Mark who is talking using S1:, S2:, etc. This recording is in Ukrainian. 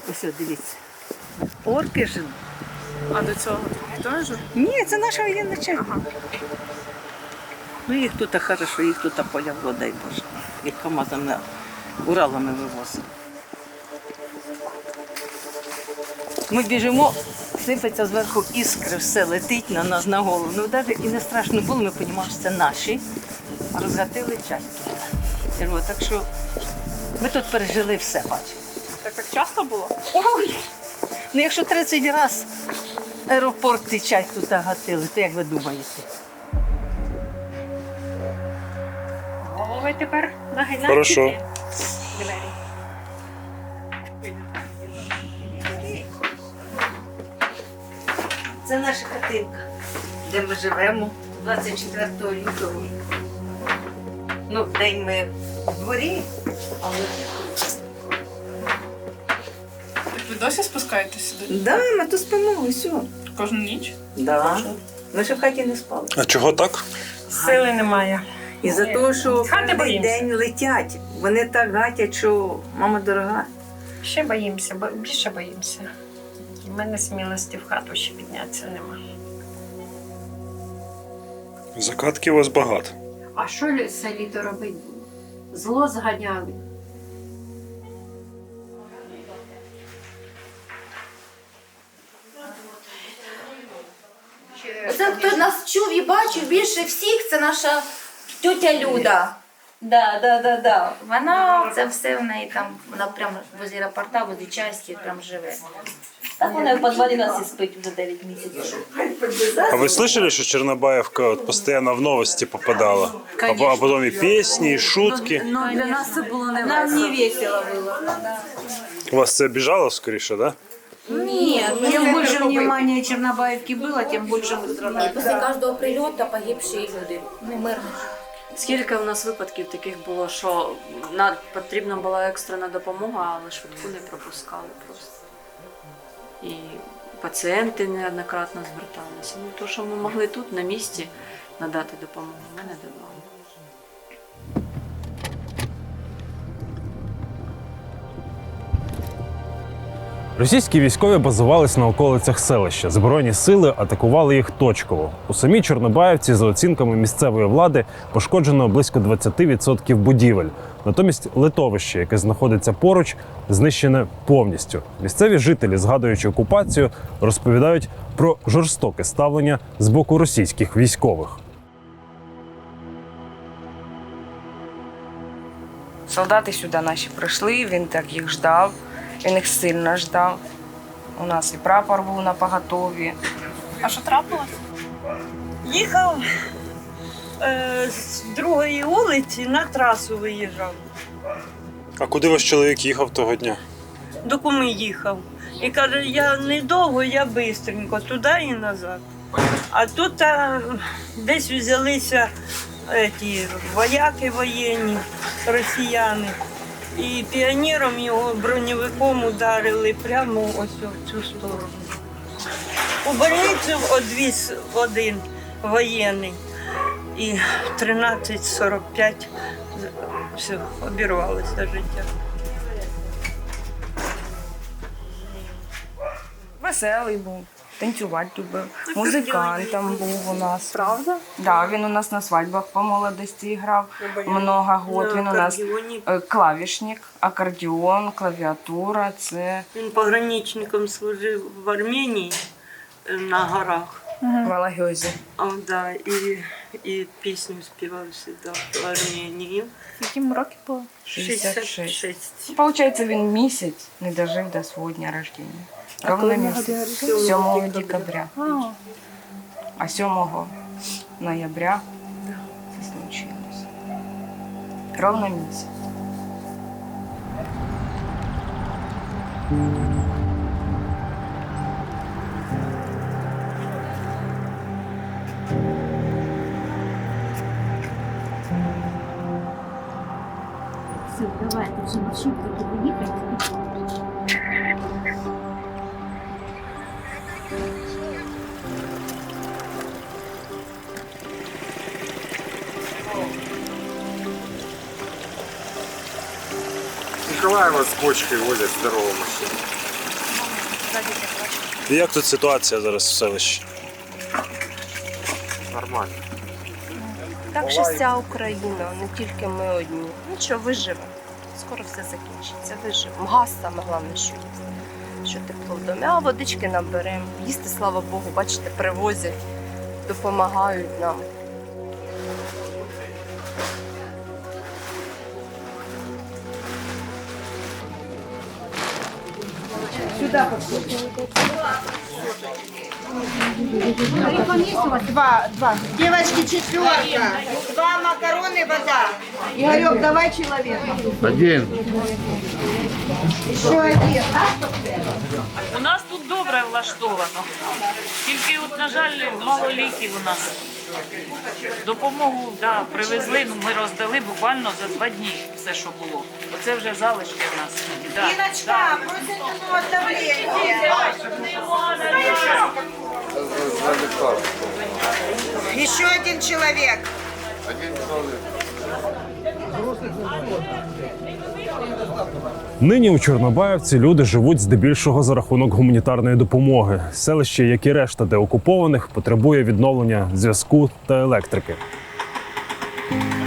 S1: Ось, дивіться. Орки жили.
S2: А до цього теж?
S1: Ні, це наша воєнна частина. Ага. Ну їх тут хорошо, їх тут полявло, дай Боже. Їх КАМАЗами, Уралами вивозили. Ми біжимо, сипеться зверху іскри, все летить на нас на голову. Ну навіть і не страшно було, ми розуміємо, що це наші. Розгатили часто. Так що ми тут пережили все, бачимо.
S2: Так часто було?
S1: Ой! Ну якщо 30 разів аеропорт і часть тут гатили, то як ви думаєте?
S2: Голови тепер нагинайте.
S3: Хорошо.
S1: Це наша хатинка, де ми живемо 24 лютого. Ну, в день ми в дворі, але...
S2: Так ви досі спускаєтесь сюди?
S1: Да, ми тут спимо, все.
S2: Кожну ніч?
S1: Да. Ми ще в хаті не спали.
S3: А чого так?
S4: Сили немає.
S1: І за те, що
S4: Хати
S1: кожен
S4: боїмося.
S1: день летять. Вони так гатять, що мама дорога.
S4: Ще боїмося, більше боїмося. У мене смілості в хату ще піднятися нема.
S3: Закатків у вас багато.
S5: А що це літо робити? Зло зганяли.
S6: Оце хто нас чув і бачив більше всіх, це наша тьотя Люда. Да. Вона це все в неї там, вона прямо возле аеропорта, возле часті прям живе. Так вона в підвалі нас і спить вже 9 місяців.
S3: А вы слышали, что Чернобаевка вот постоянно в новости попадала? А потом и песни, и шутки.
S6: Ну, для нас це було не весело. Нам не весело було.
S3: Вас это обижало, скорее, да?
S6: Ні,
S7: Чем больше внимания Чернобаевки было, тем больше мы страдали.
S6: після кожного прильоту погибші люди, ну, мирні.
S8: Скільки у нас випадків таких було, що потрібна була екстрена допомога, але швидку не пропускали просто. І пацієнти неоднократно зверталися. Ну, то, що ми могли тут, на місці, надати допомогу, ми не давали.
S9: Російські військові базувались на околицях селища. Збройні сили атакували їх точково. У самій Чорнобаївці, за оцінками місцевої влади, пошкоджено близько 20% будівель. Натомість литовище, яке знаходиться поруч, знищене повністю. Місцеві жителі, згадуючи окупацію, розповідають про жорстоке ставлення з боку російських військових.
S10: Солдати сюди наші прийшли, він так їх ждав, він їх сильно ждав. У нас і прапор був на поготові.
S2: А що трапилось?
S11: Їхав з другої вулиці на трасу виїжджав.
S3: А куди ваш чоловік їхав того дня?
S11: До куми їхав. І каже, я недовго, я бистренько, туди і назад. А тут десь взялися ті вояки воєнні, росіяни. І піонером його броньовиком ударили прямо ось в цю сторону. У больницю одвіз один воєнний. І в 13:45 все, обірвалося життя.
S10: Веселий був, танцювати любив, музикантом був у нас.
S2: Правда?
S10: Да, він у нас на свадьбах по молодості грав много років. Він у нас клавішник, акордеон, клавіатура. Це
S11: Він пограничником служив в Арменії на горах.
S10: в Алагьозі.
S11: Да, і пісню співав сюди в Арменії.
S2: Яким років було?
S11: 66.
S10: Получається, він місяць не дожив до свого дня рождения. Ровно місяць. 7 декабря. А 7 ноября це случилось. Ровно місяць.
S5: Все, давайте вже машинки туди їхати.
S12: Николаева с почкой возят здоровую машину.
S3: І як тут ситуація зараз в селищі?
S12: Нормально.
S10: Так же вся Україна, не тільки ми одні. Нічого, виживемо. Скоро все закінчиться, виживемо. Газ саме головне, що є. Що тепло в домі, а водички наберемо. Їсти, слава Богу, бачите, привозять, допомагають нам.
S7: Два. Девочки, 4. 2 макароны, вода. Игорек, давай человека.
S12: Один.
S7: Еще один.
S13: У нас тут добре влаштовано. Тільки, от, на жаль, мало ліків у нас. Допомогу привезли, ми роздали буквально за 2 дні все, що було. Оце вже залишки в нас.
S7: Иночка, просит от давления. Еще один человек.
S9: Нині у Чорнобаївці люди живуть здебільшого за рахунок гуманітарної допомоги. Селище, як і решта деокупованих, потребує відновлення зв'язку та електрики.